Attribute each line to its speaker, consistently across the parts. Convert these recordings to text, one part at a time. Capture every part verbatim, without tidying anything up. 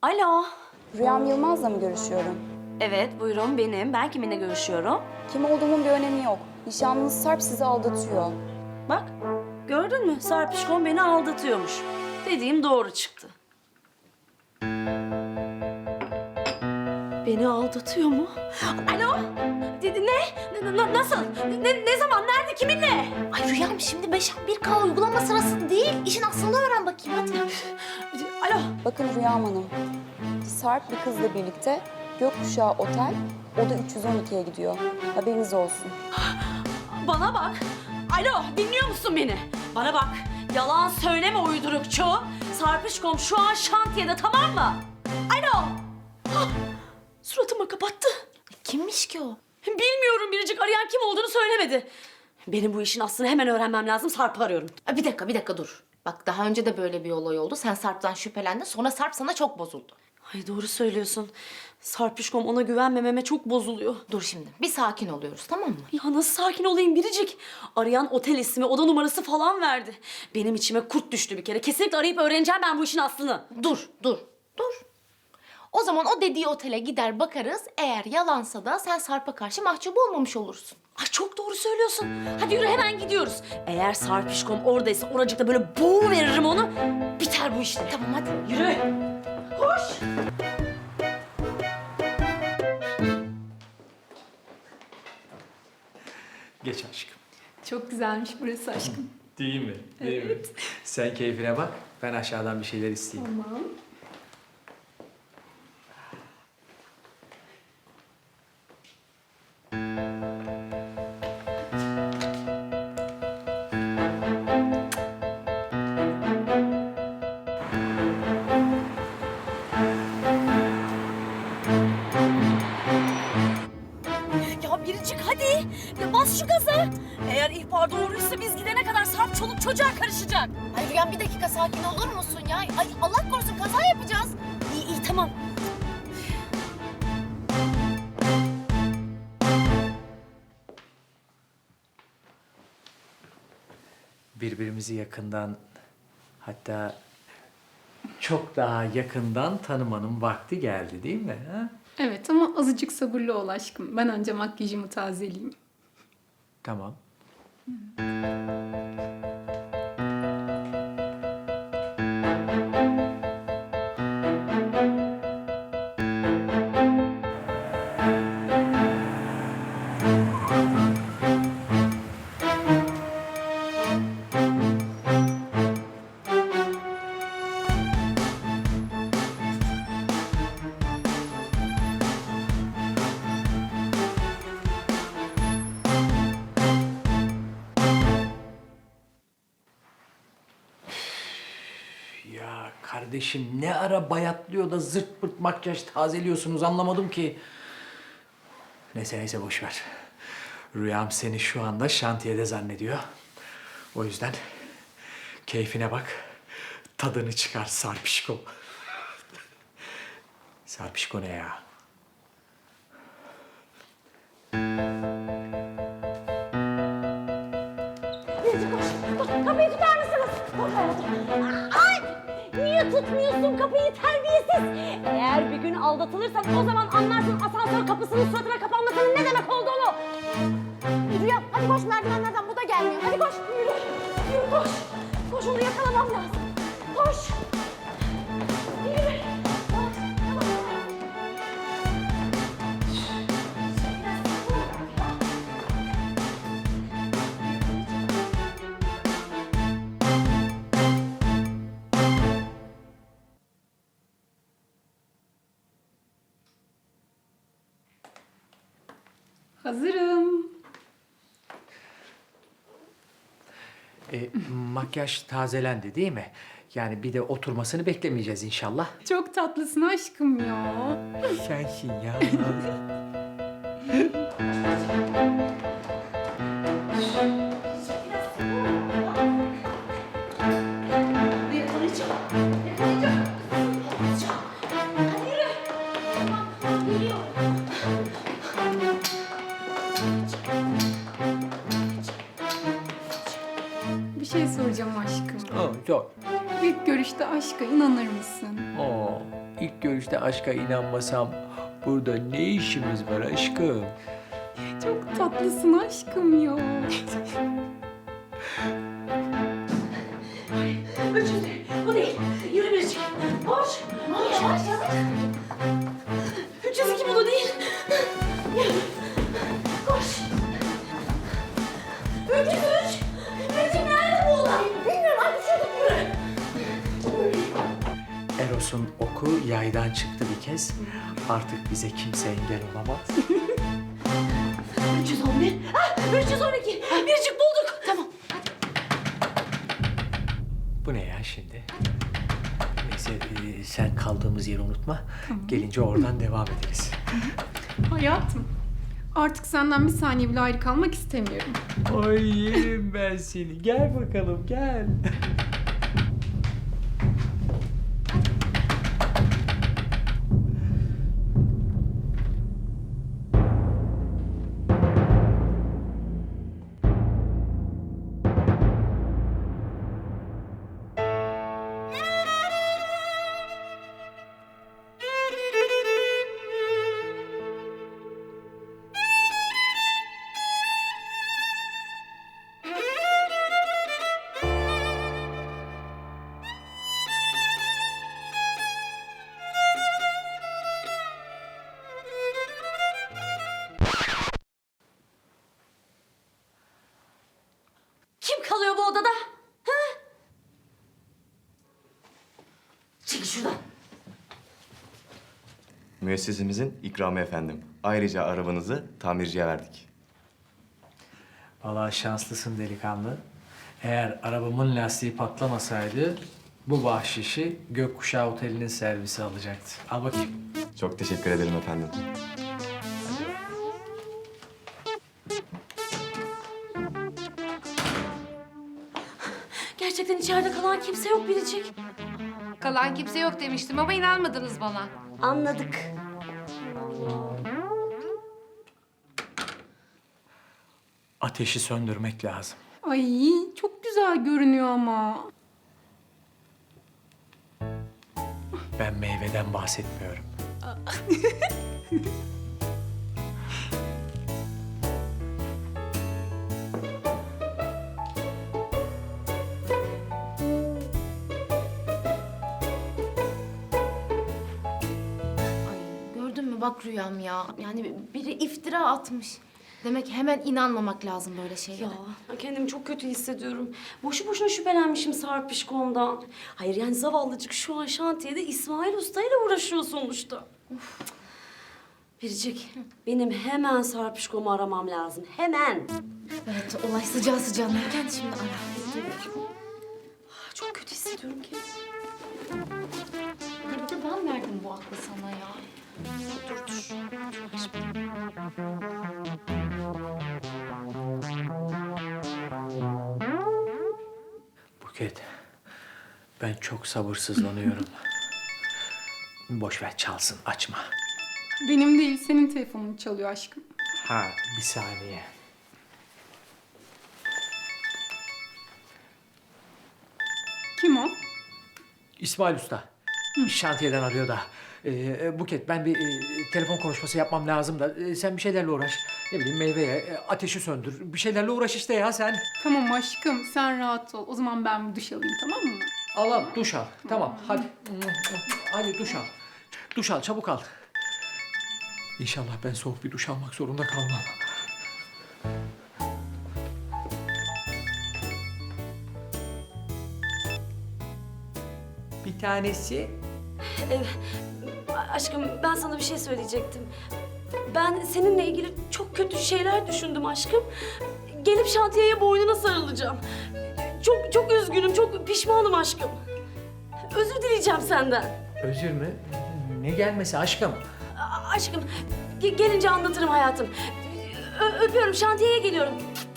Speaker 1: Alo.
Speaker 2: Rüyam Yılmaz'la mı görüşüyorum?
Speaker 1: Evet, buyurun benim. Ben kiminle görüşüyorum?
Speaker 2: Kim olduğumun bir önemi yok. Nişanlınız Sarp sizi aldatıyor.
Speaker 1: Bak, gördün mü? Sarpişkom beni aldatıyormuş. Dediğim doğru çıktı. Beni aldatıyor mu? Alo? Dedi ne? N- n- nasıl? Ne, ne zaman? Nerede? Kiminle?
Speaker 3: Ay Rüyam şimdi beş bir K uygulama sırası değil. İşin aslını öğren bakayım hadi.
Speaker 1: Alo?
Speaker 2: Bakın Rüyam Hanım, Sarp bir kızla birlikte Gökkuşağı Otel, oda üç yüz on ikiye gidiyor. Haberiniz olsun.
Speaker 1: Bana bak. Alo, dinliyor musun beni? Bana bak. Yalan söyleme uydurukçu. Sarpışkom şu an şantiyede, tamam mı? Alo. Hah, suratıma kapattı.
Speaker 3: Kimmiş ki o?
Speaker 1: Bilmiyorum, Biricik arayan kim olduğunu söylemedi. Benim bu işin aslını hemen öğrenmem lazım. Sarp'ı arıyorum.
Speaker 3: Ay, bir dakika bir dakika dur. Bak daha önce de böyle bir olay oldu. Sen Sarp'tan şüphelendin. Sonra Sarp sana çok bozuldu.
Speaker 1: Ay doğru söylüyorsun. Sarpışkom ona güvenmememe çok bozuluyor.
Speaker 3: Dur şimdi bir sakin oluyoruz tamam mı?
Speaker 1: Ya nasıl sakin olayım Biricik? Arayan otel ismi, oda numarası falan verdi. Benim içime kurt düştü bir kere. Kesinlikle arayıp öğreneceğim ben bu işin aslını.
Speaker 3: Dur dur dur. O zaman o dediği otele gider bakarız. Eğer yalansa da sen Sarp'a karşı mahcup olmamış olursun.
Speaker 1: Ay çok doğru söylüyorsun. Hadi yürü hemen gidiyoruz. Eğer Sarpişkom oradaysa oracıkta böyle boğu veririm onu. Biter bu işte.
Speaker 3: Tamam hadi.
Speaker 1: Yürü. Koş.
Speaker 4: Geç aşkım.
Speaker 5: Çok güzelmiş burası aşkım.
Speaker 4: Değil mi? Değil mi? Sen keyfine bak. Ben aşağıdan bir şeyler isteyeyim.
Speaker 5: Tamam.
Speaker 1: Ya Biricik hadi. Ya bas şu gaza. Eğer ihbar doğruysa biz gidene kadar Sarp çoluk çocuğa karışacak.
Speaker 3: Ay Rüyam bir dakika sakin olur musun ya? Ay Allah korusun kaza yapacağız.
Speaker 1: İyi iyi tamam.
Speaker 4: Birbirimizi yakından, hatta çok daha yakından tanımanın vakti geldi değil mi? Ha?
Speaker 5: Evet ama azıcık sabırlı ol aşkım. Ben önce makyajımı tazeleyeyim.
Speaker 4: Tamam. Ya kardeşim ne ara bayatlıyor da zırt pırt makyaj tazeliyorsunuz anlamadım ki. Neyse neyse boş ver. Rüyam seni şu anda şantiyede zannediyor. O yüzden keyfine bak. Tadını çıkar Sarpişko. Sarpişko ne ya?
Speaker 1: Kapıyı tutar mısınız? Ay! Niye tutmuyorsun kapıyı terbiyesiz? Eğer bir gün aldatılırsak o zaman anlarsın asansör kapısının suratına kapanmasının ne demek olduğunu.
Speaker 3: Rüyam hadi koş merdivenlerden bu da gelmiyor. Hadi koş.
Speaker 1: Yürü, yürü koş. Koş onu yakalamam lazım. Koş. Yürü. Koş. Tamam.
Speaker 5: Hazırım.
Speaker 4: E, makyaj tazelendi değil mi? Yani bir de oturmasını beklemeyeceğiz inşallah.
Speaker 5: Çok tatlısın aşkım ya.
Speaker 4: Sensin ya.
Speaker 5: Bir şey soracağım aşkım.
Speaker 4: Oh, çok.
Speaker 5: İlk görüşte aşka inanır mısın?
Speaker 4: Oo, ilk görüşte aşka inanmasam burada ne işimiz var aşkım?
Speaker 5: Çok tatlısın aşkım ya.
Speaker 1: Üçüncü. Bu değil. Yürü Biricik. Koş. Koş. Yavaş yavaş. üç yüz iki bu da değil. Yürü. Koş. üç yüz üç. Biricik nerede bu olay? Bilmiyorum. Hadi şurada yürü.
Speaker 4: Eros'un oku yaydan çıktı bir kez. Artık bize kimse engel olamaz.
Speaker 1: üç yüz on bir. Ah, üç yüz on iki. Biricik bulduk. Tamam.
Speaker 4: Bu ne ya şimdi? Neyse e, sen kaldığımız yeri unutma. Gelince oradan devam ederiz.
Speaker 5: Hayatım, artık senden bir saniye bile ayrı kalmak istemiyorum.
Speaker 4: Ay yerim ben seni. Gel bakalım gel.
Speaker 1: Kim kalıyor bu odada? Ha? Çekil şuradan.
Speaker 6: Müessesemizin ikramı efendim. Ayrıca arabanızı tamirciye verdik.
Speaker 4: Vallahi şanslısın delikanlı. Eğer arabamın lastiği patlamasaydı bu bahşişi Gökkuşağı Oteli'nin servisi alacaktı. Al bakayım.
Speaker 6: Çok teşekkür ederim efendim.
Speaker 1: Gerçekten içeride kalan kimse yok Biricik.
Speaker 7: Kalan kimse yok demiştim ama inanmadınız bana.
Speaker 1: Anladık.
Speaker 4: Ateşi söndürmek lazım.
Speaker 5: Ay, çok güzel görünüyor ama.
Speaker 4: Ben meyveden bahsetmiyorum.
Speaker 3: Ay gördün mü bak Rüyam ya. Yani biri iftira atmış. Demek hemen inanmamak lazım böyle şeylere.
Speaker 1: Ya kendimi çok kötü hissediyorum. Boşu boşuna şüphelenmişim Sarpişkom'dan. Hayır yani zavallıcık şu an şantiyede İsmail Usta ile uğraşıyor sonuçta. Biricik, benim hemen Sarpişkom'u aramam lazım. Hemen.
Speaker 3: Evet olay sıcağı sıcağına. Gel şimdi ara.
Speaker 1: Çok kötü hissediyorum kendimi.
Speaker 3: Bir de ben verdim bu aklı sana ya.
Speaker 1: Dur dur.
Speaker 4: Buket, ben çok sabırsızlanıyorum. Boş ver çalsın, açma.
Speaker 5: Benim değil, senin telefonun çalıyor aşkım.
Speaker 4: Ha, bir saniye.
Speaker 5: Kim o?
Speaker 4: İsmail Usta. Şantiyeden arıyor da. Ee, Buket, ben bir e, telefon konuşması yapmam lazım da e, sen bir şeylerle uğraş. Ne bileyim meyveye, e, ateşi söndür. Bir şeylerle uğraş işte ya sen.
Speaker 5: Tamam aşkım, sen rahat ol. O zaman ben bir duş alayım, tamam mı?
Speaker 4: Al al, duş al. Tamam, hadi. Hadi duş al. Duş al, çabuk al. İnşallah ben soğuk bir duş almak zorunda kalmam. Bir tanesi
Speaker 1: Aşkım ben sana bir şey söyleyecektim. Ben seninle ilgili çok kötü şeyler düşündüm aşkım. Gelip şantiyeye boynuna sarılacağım. Çok çok üzgünüm, çok pişmanım aşkım. Özür dileyeceğim senden.
Speaker 4: özür mü? Ne gelmesi aşkım?
Speaker 1: A- aşkım ge- gelince anlatırım hayatım. Ö- öpüyorum, şantiyeye geliyorum.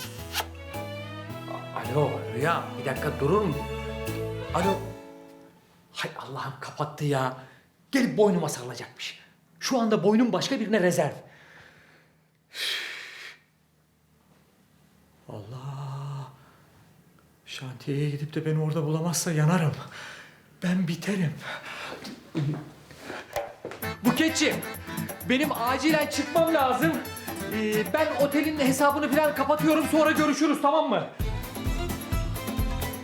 Speaker 4: Alo Rüya, bir dakika durur mu? Alo. Hay Allah'ım kapattı ya. Gelip boynuma sarılacakmış. Şu anda boynum başka birine rezerv. Allah. Şantiyeye gidip de beni orada bulamazsa yanarım. Ben biterim. Buketciğim, benim acilen çıkmam lazım. Ee, ben otelin hesabını falan kapatıyorum, sonra görüşürüz, tamam mı?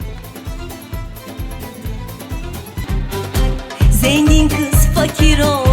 Speaker 8: Zengin kız fakir ol